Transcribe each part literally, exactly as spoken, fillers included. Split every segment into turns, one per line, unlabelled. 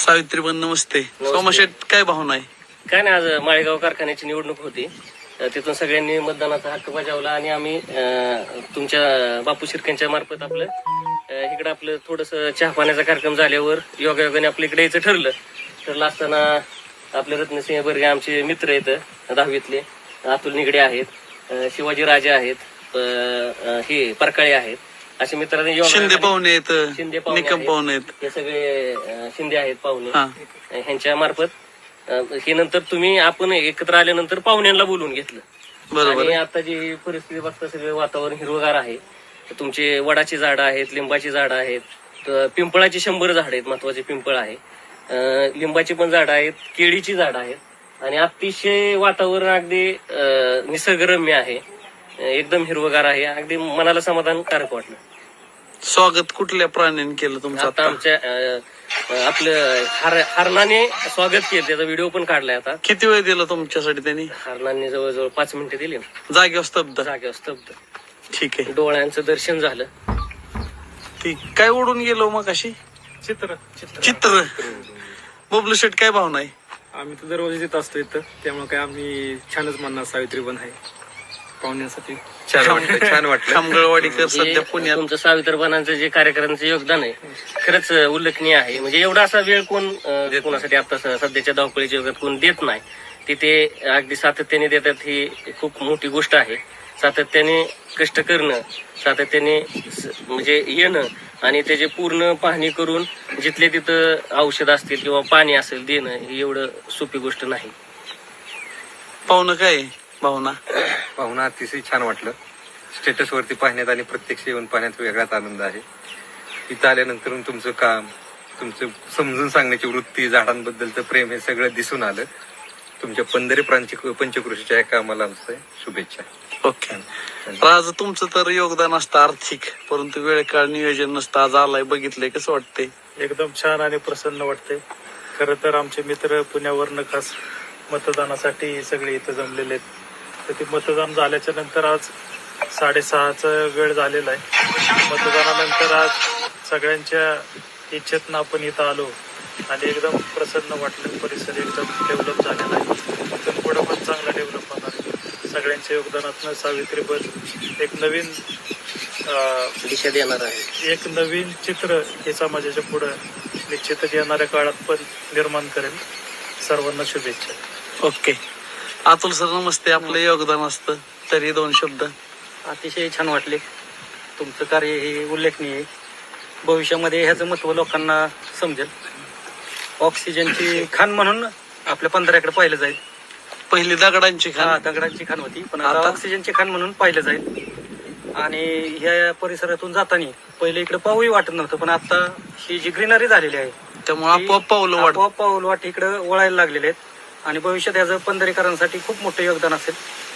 सावित्रीबन नमस्ते. सोमाशेठ काय भावना आहे?
काय नाही, आज माळेगाव कारखान्याची निवडणूक होती. तिथून सगळ्यांनी मतदानाचा हक्क बजावला आणि आम्ही तुमच्या बापू शिर्केंच्या मार्फत आपलं इकडं आपलं थोडंसं चहा पाण्याचा कार्यक्रम झाल्यावर योगायोगाने आपल्या इकडे यायचं ठरलं. ठरलं असताना आपले रत्नसिंह बर्गे आमचे मित्र आहेत दहावीतले, अतुल निगडे आहेत, शिवाजी राजे आहेत, हे परकाळे आहेत, असे मित्रांनी
शिंदे पाहुणे आहेत,
शिंदे
निकम पाहुणे आहेत,
हे सगळे शिंदे आहेत पाहुणे. ह्यांच्या मार्फत हे नंतर तुम्ही आपण एकत्र आल्यानंतर पाहुण्यांना बोलवून घेतलं.
बरोबर.
आणि आता जी परिस्थिती बघता सगळे वातावरण हिरवगार आहे. तुमचे वडाची झाडं आहेत, लिंबाची झाडं आहेत, पिंपळाची शंभर झाड आहेत, महत्वाचे पिंपळ आहे, लिंबाची पण झाडं आहेत, केळीची झाडं आहेत आणि अतिशय वातावरण अगदी निसर्गरम्य आहे, एकदम हिरवगार आहे. अगदी मनाला समाधानकारक वाटलं.
स्वागत कुठल्या प्राण्यांनी केलं तुमचं?
आता आमच्या आपलं हर हरणाने स्वागत केलं, त्याचा व्हिडिओ पण काढलाय. आता
किती वेळ दिला तुमच्यासाठी त्यांनी?
हरणाने जवळजवळ पाच मिनिटं दिली.
जागेवर स्तब्ध?
जागेवर स्तब्ध.
ठीक आहे.
डोळ्यांचं दर्शन झालं.
ठीक. काय उडून गेलो मग अशी?
चित्र
चित्र. बबलू शेठ काय भावना आहे?
आम्ही तर दररोज येत असतो इथं, त्यामुळे काय आम्ही छानच म्हणणार सावित्रीबन आहे पाहुण्यासाठी.
छान वाटलं. छान वाटलं. खामगळवाडीकर सध्या पुण्यात.
तुमचं सावित्रीबनांचं जे कार्यक्रमाचं योगदान आहे खरंच उल्लेखनीय आहे. म्हणजे एवढा असा वेळ कोण कोणासाठी आता सध्याच्या धावपळीच्या योगात कोण देत नाही. तिथे अगदी सातत्याने देतात, ही खूप मोठी गोष्ट आहे. सातत्याने कष्ट करणं, सातत्याने म्हणजे येणं आणि त्याचे पूर्ण पाहणी करून जिथले तिथं औषध असतील किंवा पाणी असेल देणं, ही एवढं सोपी गोष्ट नाही.
पाहुणं काय भावना?
पाहुणा अतिशय छान वाटलं. स्टेटस वरती पाहण्यात आणि प्रत्यक्ष येऊन पाहण्यात वेगळाच आनंद आहे. इथं आल्यानंतर तुमचं काम, तुमचं समजून सांगण्याची वृत्ती, झाडांबद्दलचं प्रेम हे सगळं दिसून आलं. तुमच्या पंधरे प्रांची पंचकृषीच्या या कामाला आमचं शुभेच्छा.
ओके. आज तुमचं तर योगदान असतं आर्थिक, परंतु वेळ काळ नियोजन नसतं. आज आलाय, बघितलंय, कसं वाटतंय?
एकदम छान आणि प्रसन्न वाटते. खरं तर आमचे मित्र पुण्यावरनं खास मतदानासाठी सगळे इथं जमलेले आहेत. तर ते मतदान झाल्याच्या नंतर आज साडेसहाचा वेळ झालेला आहे. मतदानानंतर आज सगळ्यांच्या इच्छेतनं आपण इथं आलो आणि एकदम प्रसन्न वाटलं. परिसर एकदम डेव्हलप झालेला आहे. इथून पुढं पण चांगला डेव्हलप होणार आहे. सगळ्यांच्या योगदानातनं सावित्रीबन एक नवीन
दिशा देणार आहे,
एक नवीन चित्र हे समाजाच्या पुढं निश्चितच येणाऱ्या काळात पण निर्माण करेल. सर्वांना शुभेच्छा.
ओके. अतुल सर नमस्ते. आपलं योगदान असतं तरी दोन शब्द.
अतिशय छान वाटले. तुमचं कार्य हे उल्लेखनीय आहे. भविष्यामध्ये ह्याचं महत्व लोकांना समजेल. ऑक्सिजनची खाण म्हणून आपल्या पंधराकडे पाहिलं जाईल.
पहिली दगडांची खाण,
दगडांची खाण होती, पण आता ऑक्सिजनची खाण म्हणून पाहिलं जाईल. आणि ह्या परिसरातून जाताना पहिले इकडे पाऊही वाटत नव्हतं, पण आता ही जी ग्रीनरी झालेली आहे
त्यामुळे आपोआप पाऊल वाट
आपोआप पाऊल वाट इकडे वळायला लागलेले आहेत आणि भविष्यात याचं पंधरेकरांसाठी खूप मोठं योगदान असेल.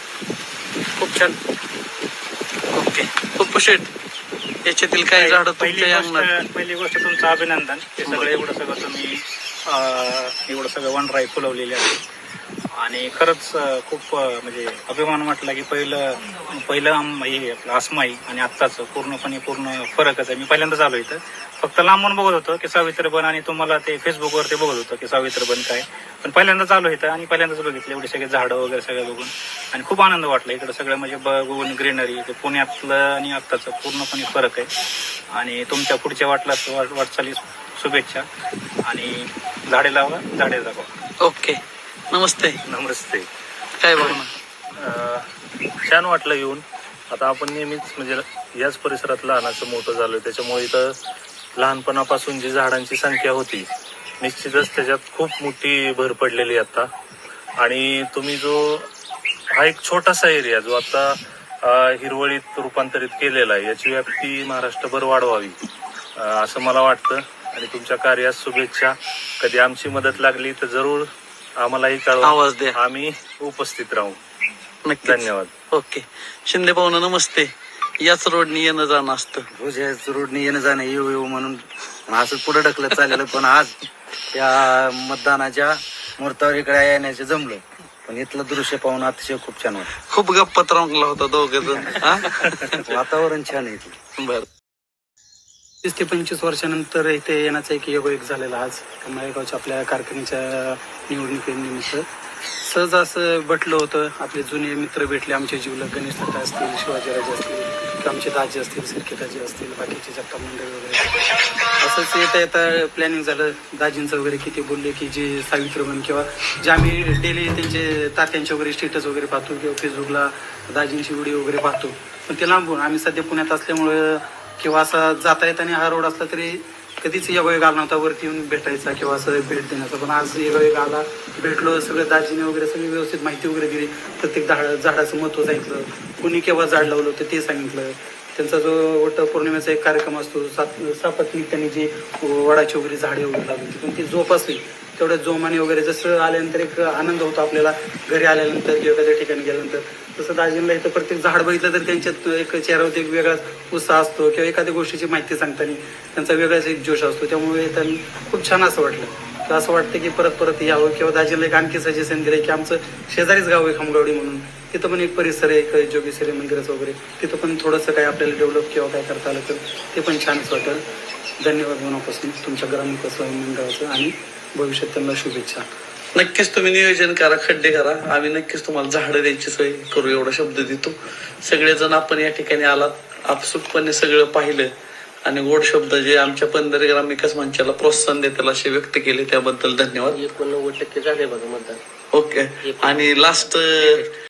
खूप छान.
ओके. पप्पू शेठ, याच्यातील काही झाडं
पहिली
तुमच्या
गोष्ट पहिली गोष्ट तुमचं अभिनंदन. हे सगळं एवढं सगळं तुम्ही एवढं सगळं वनराई फुलवलेली आहे आणि खरंच खूप म्हणजे अभिमान वाटला की पहिलं पहिलं हे आपलं आसमाई आणि आत्ताचं पूर्णपणे पूर्ण फरकच आहे. मी पहिल्यांदाच आलो इथं, फक्त लांबून बघत होतो की सावित्रीबन आणि तुम्हाला ते फेसबुकवर ते बघत होतं की सावित्रीबन काय, पण पहिल्यांदाच आलो इथं आणि पहिल्यांदाच बघितलं एवढे सगळे झाडं वगैरे सगळं बघून आणि खूप आनंद वाटला. इकडं सगळं म्हणजे बघून ग्रीनरी, ते पुण्यातलं आणि आत्ताचं पूर्णपणे फरक आहे. आणि तुमच्या पुढच्या वाटला वाटचाली शुभेच्छा आणि झाडे लावा, झाडे जगवा.
ओके. नमस्ते.
नमस्ते.
काय भावना?
छान वाटलं येऊन. आता आपण नेहमीच म्हणजे याच परिसरात लहानाचं मोठं झालोय, त्याच्यामुळे इथं लहानपणापासून जी झाडांची संख्या होती निश्चितच त्याच्यात खूप मोठी भर पडलेली आता. आणि तुम्ही जो हा एक छोटासा एरिया जो आता हिरवळीत रूपांतरित केलेला आहे, याची व्याप्ती महाराष्ट्रभर वाढवावी असं मला वाटतं. आणि तुमच्या कार्यास शुभेच्छा. कधी आमची मदत लागली तर जरूर आम्हालाही कळवा,
आवाज द्या,
आम्ही उपस्थित राहू.
नक्की.
धन्यवाद.
ओके. शिंदे पाहुणं नमस्ते. याच रोडनी येणं जाणं असतं.
रोज याच रोडने येणं जाणं येऊ येऊ म्हणून असं पुढे ढकलत चाललेलं, पण आज त्या मतदानाच्या मुहूर्तावर इकडे येण्याचं जमलं. पण इथलं दृश्य पाहून अतिशय खूप छान वाटतं.
खूप गप्पात रंगला होता दोघे जण.
वातावरण छान आहे.
बर.
तीस ते पंचवीस वर्षानंतर इथे येण्याचा एक योगायोग झालेला आज माळेगावच्या आपल्या कारखान्याच्या निवडणुकीनिमित्त. सहज असं भेटलं होतं, आपले जुने मित्र भेटले आमचे जीवलग, गणेश दादा असतील, शिवाजीराजे असतील किंवा आमचे दाजी असतील, सिरकेदाजी असतील, बाकीचे जगताप मंडळी वगैरे. असंच येता येता प्लॅनिंग झालं दाजींचं वगैरे, की ते बोलले की जे सावित्रीबन किंवा जे आम्ही डेली त्यांचे तात्यांचे वगैरे स्टेटस वगैरे पाहतो किंवा फेसबुकला दाजींची व्हिडिओ वगैरे पाहतो, पण ते लांबून आम्ही सध्या पुण्यात असल्यामुळं किंवा असा जाता येताना हा रोड असला तरी कधीच योगायोग आला नव्हता वरती येऊन भेटायचा किंवा असं भेट देण्याचा. पण आज योगायोग आला, भेटलो, सगळं दाजीने वगैरे सगळी व्यवस्थित माहिती वगैरे दिली, प्रत्येक झाड झाडाचं महत्त्व सांगितलं, कुणी केव्हा झाड लावलं होतं ते सांगितलं. त्यांचा जो वट पौर्णिमेचा एक कार्यक्रम असतो, सात सापत्निक त्यांनी जी वडाची वगैरे झाडे वगैरे लावली होती, पण ती जोपासली तेवढ्या जोमाने वगैरे. जसं आल्यानंतर एक आनंद होतो आपल्याला घरी आल्यानंतर किंवा एखाद्या ठिकाणी गेल्यानंतर, तसं दाजींना इथं प्रत्येक झाड बघितलं तर त्यांच्यात एक चेहऱ्यावरती एक वेगळाच उत्साह असतो किंवा एखाद्या गोष्टीची माहिती सांगताना त्यांचा वेगळाच एक जोश असतो. त्यामुळे त्यांना खूप छान असं वाटलं, तर असं वाटतं की परत परत यावं. किंवा दाजीला एक आणखी सजेशन दिलं की आमचं शेजारीच गाव आहे खामगावडी म्हणून, तिथं पण एक परिसर आहे एक जोगेश्वरी मंदिराचं वगैरे, तिथं पण थोडंसं काय आपल्याला डेव्हलप किंवा काय करता आलं तर ते पण छानच वाटेल. धन्यवाद मनापासून तुमच्या ग्रामविकास मंडळाचं आणि भविष्यात त्यांना शुभेच्छा.
नक्कीच तुम्ही नियोजन करा, खड्डे करा, आम्ही नक्कीच तुम्हाला झाडं द्यायची सोय करू एवढा शब्द देतो. सगळेजण आपण या ठिकाणी आलात, आपसुकपणे सगळं पाहिलं आणि गोड शब्द जे आमच्या पंधरा ग्राम विकास मंचाला प्रोत्साहन देतील असे व्यक्त केले, त्याबद्दल धन्यवाद.
एकोणनव्वद टक्के झाले बघा मतदान.
ओके. आणि लास्ट